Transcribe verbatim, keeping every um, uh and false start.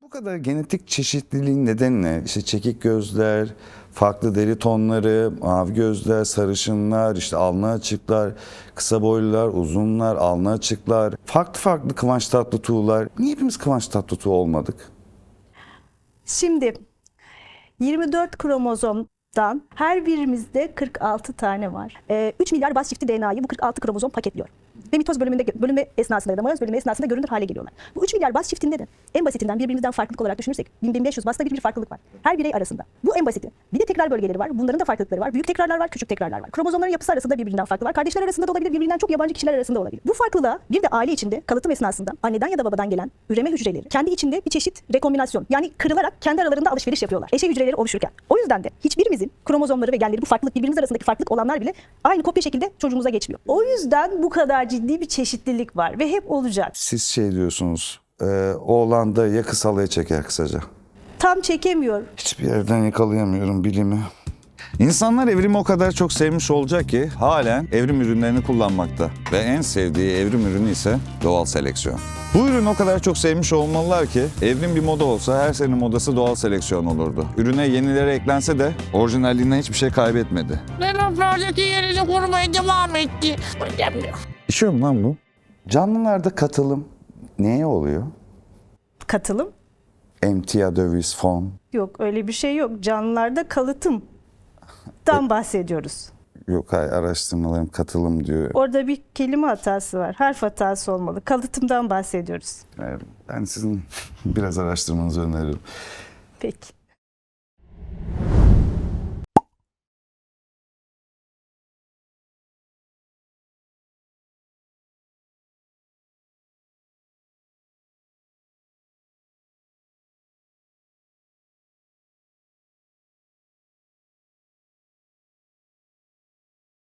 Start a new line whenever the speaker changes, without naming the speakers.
Bu kadar genetik çeşitliliğin nedeni ne? İşte çekik gözler, farklı deri tonları, mavi gözler, sarışınlar, işte alnı açıklar, kısa boylular, uzunlar, alnı açıklar, farklı farklı Kıvanç Tatlıtuğ'lar. Niye hepimiz Kıvanç Tatlıtuğ olmadık?
Şimdi yirmi dört kromozomdan her birimizde kırk altı tane var. Ee, üç milyar baz çifti D N A'yı bu kırk altı kromozom paketliyor. Ve mitoz bölümünde, bölünme esnasında ya da meyoz bölünme esnasında görünür hale geliyorlar. Bu üç milyar baz çiftinde de en basitinden birbirimizden farklılık olarak düşünürsek bin bin beş yüz basta bir, bir farklılık var. Her birey arasında. Bu en basiti. Bir de tekrar bölgeleri var. Bunların da farklılıkları var. Büyük tekrarlar var, küçük tekrarlar var. Kromozomların yapısı arasında birbirinden farklı var. Kardeşler arasında da olabilir, birbirinden çok yabancı kişiler arasında olabilir. Bu farklılığa bir de aile içinde kalıtım esnasında anneden ya da babadan gelen üreme hücreleri kendi içinde bir çeşit rekombinasyon, yani kırılarak kendi aralarında alışveriş yapıyorlar. Eşey hücreleri oluşurken. O yüzden de hiçbirimizin kromozomları ve genleri, bu farklılık, birbirimiz arasındaki farklılık olanlar bile aynı kopya şekilde çocuğumuza geçmiyor. O yüzden bu kadar ciddi bir çeşitlilik var ve hep olacak.
Siz şey diyorsunuz, e, oğlan da ya kısalıya çeker kısaca.
Tam çekemiyor.
Hiçbir yerden yakalayamıyorum bilimi. İnsanlar evrimi o kadar çok sevmiş olacak ki halen evrim ürünlerini kullanmakta. Ve en sevdiği evrim ürünü ise doğal seleksiyon. Bu ürünü o kadar çok sevmiş olmalılar ki evrim bir moda olsa her sene modası doğal seleksiyon olurdu. Ürüne yenileri eklense de orijinalliğinden hiçbir şey kaybetmedi.
Laboratulardaki yerini korumaya devam etti.
İşiyor mu lan bu? Canlılarda katılım neye oluyor?
Katılım?
Emtia döviz fon.
Yok, öyle bir şey yok. Canlılarda kalıtımdan bahsediyoruz.
Yok hayır, araştırmalarım katılım diyor.
Orada bir kelime hatası var. Harf hatası olmalı. Kalıtımdan bahsediyoruz.
Ben sizin biraz araştırmanızı öneririm.
Peki.